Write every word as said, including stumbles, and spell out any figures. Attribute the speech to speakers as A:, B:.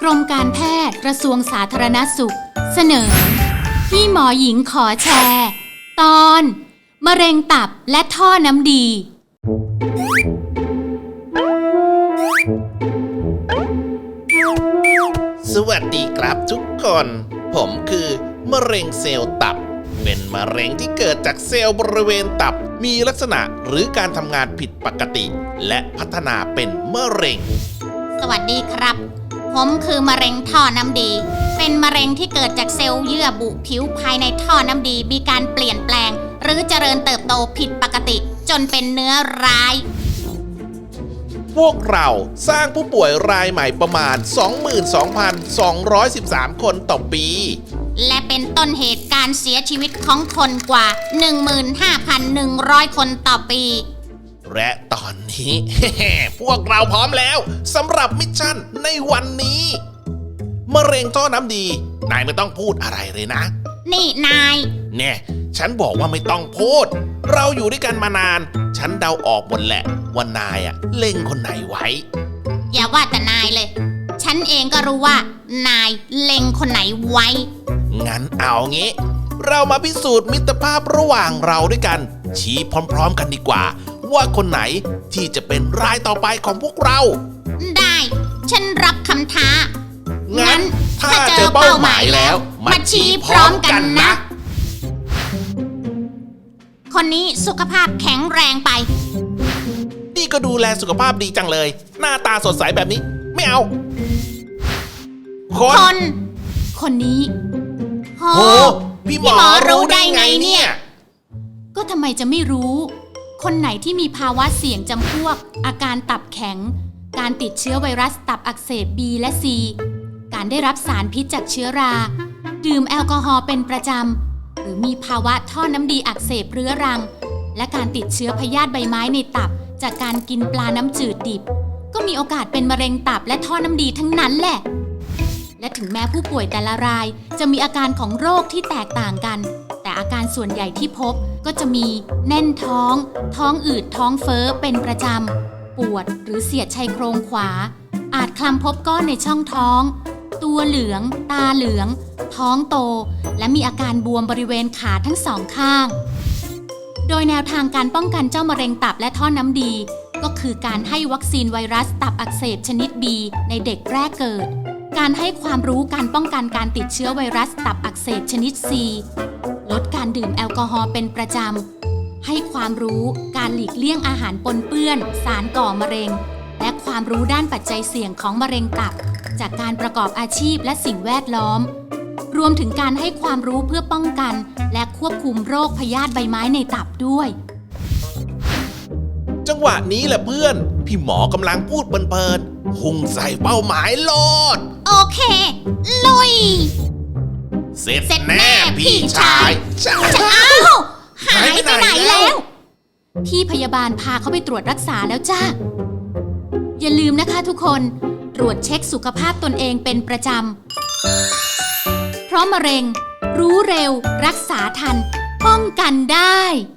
A: รมการแพทย์กระทรวงสาธารณสุขเสนอพี่หมอหญิงขอแชร์ ตอนมะเร็งตับและท่อน้ำดี
B: สวัสดีครับทุกคนผมคือมะเร็งเซลล์ตับเป็นมะเร็งที่เกิดจากเซลล์บริเวณตับมีลักษณะหรือการทำงานผิดปกติและพัฒนาเป็นมะเร็ง
C: สวัสดีครับผมคือมะเร็งท่อน้ำดีเป็นมะเร็งที่เกิดจากเซลล์เยื่อบุผิวภายในท่อน้ำดีมีการเปลี่ยนแปลงหรือเจริญเติบโตผิดปกติจนเป็นเนื้อร้าย
B: พวกเราสร้างผู้ป่วยรายใหม่ประมาณ สองหมื่นสองพันสองร้อยสิบสาม คนต่อปี
C: และเป็นต้นเหตุการเสียชีวิตของคนกว่า หนึ่งหมื่นห้าพันหนึ่งร้อย คนต่อปี
B: และตอนนี้ พวกเราพร้อมแล้วสำหรับมิชชั่นในวันนี้มะเร็งท่อน้ำดีนายไม่ต้องพูดอะไรเลยนะ
C: นี่นาย
B: เนี่ยฉันบอกว่าไม่ต้องพูดเราอยู่ด้วยกันมานานฉันเดาออกหมดแหละว่านายอะเล็งคนไหนไว้
C: อย่าว่าแต่นายเลยฉันเองก็รู้ว่านายเล็งคนไหนไว้
B: งั้นเอางี้เรามาพิสูจน์มิตรภาพระหว่างเราด้วยกันชี้พร้อมๆกันดีกว่าว่าคนไหนที่จะเป็นรายต่อไปของพวกเรา
C: ได้ฉันรับคำท้า
B: งั้นถ้าเจอเป้าหมายแล้วมาชี้พร้อมกันนะ
C: คนนี้สุขภาพแข็งแรงไป
B: นี่ก็ดูแลสุขภาพดีจังเลยหน้าตาสดใสแบบนี้ไม่เอา
C: คนคนคนนี้
B: โหพี่หมอรู้ได้ไงเนี่ย
A: ก็ทำไมจะไม่รู้คนไหนที่มีภาวะเสี่ยงจำพวกอาการตับแข็งการติดเชื้อไวรัสตับอักเสบ B และ C การได้รับสารพิษจากเชื้อราดื่มแอลกอฮอล์เป็นประจำหรือมีภาวะท่อน้ำดีอักเสบเรื้อรังและการติดเชื้อพยาธิใบไม้ในตับจากการกินปลาน้ำจืดดิบก็มีโอกาสเป็นมะเร็งตับและท่อน้ำดีทั้งนั้นแหละและถึงแม้ผู้ป่วยแต่ละรายจะมีอาการของโรคที่แตกต่างกันแต่อาการส่วนใหญ่ที่พบก็จะมีแน่นท้องท้องอืดท้องเฟ้อเป็นประจำปวดหรือเสียดชายโครงขวาอาจคลำพบก้อนในช่องท้องตัวเหลืองตาเหลืองท้องโตและมีอาการบวมบริเวณขาทั้งสองข้างโดยแนวทางการป้องกันเจ้ามะเร็งตับและท่อน้ำดีก็คือการให้วัคซีนไวรัสตับอักเสบชนิด B ในเด็กแรกเกิดการให้ความรู้การป้องกันการติดเชื้อไวรัสตับอักเสบชนิด C ลดการดื่มแอลกอฮอล์เป็นประจำให้ความรู้การหลีกเลี่ยงอาหารปนเปื้อนสารก่อมะเร็งและความรู้ด้านปัจจัยเสี่ยงของมะเร็งตับจากการประกอบอาชีพและสิ่งแวดล้อมรวมถึงการให้ความรู้เพื่อป้องกันและควบคุมโรคพยาธิใบไม้ในตับด้วย
B: จังหวะนี้แหละเพื่อนพี่หมอกำลังพูดเพลินๆพุ่งใส่เป้าหมายโลด
C: โอเคลุย
B: เสร็จแน่พี่ชาย
C: จะอ้าวหายไปไหนแล้ว
A: พี่พยาบาลพาเขาไปตรวจรักษาแล้วจ้าอย่าลืมนะคะทุกคนตรวจเช็คสุขภาพตนเองเป็นประจำเพราะมะเร็งรู้เร็วรักษาทันป้องกันได้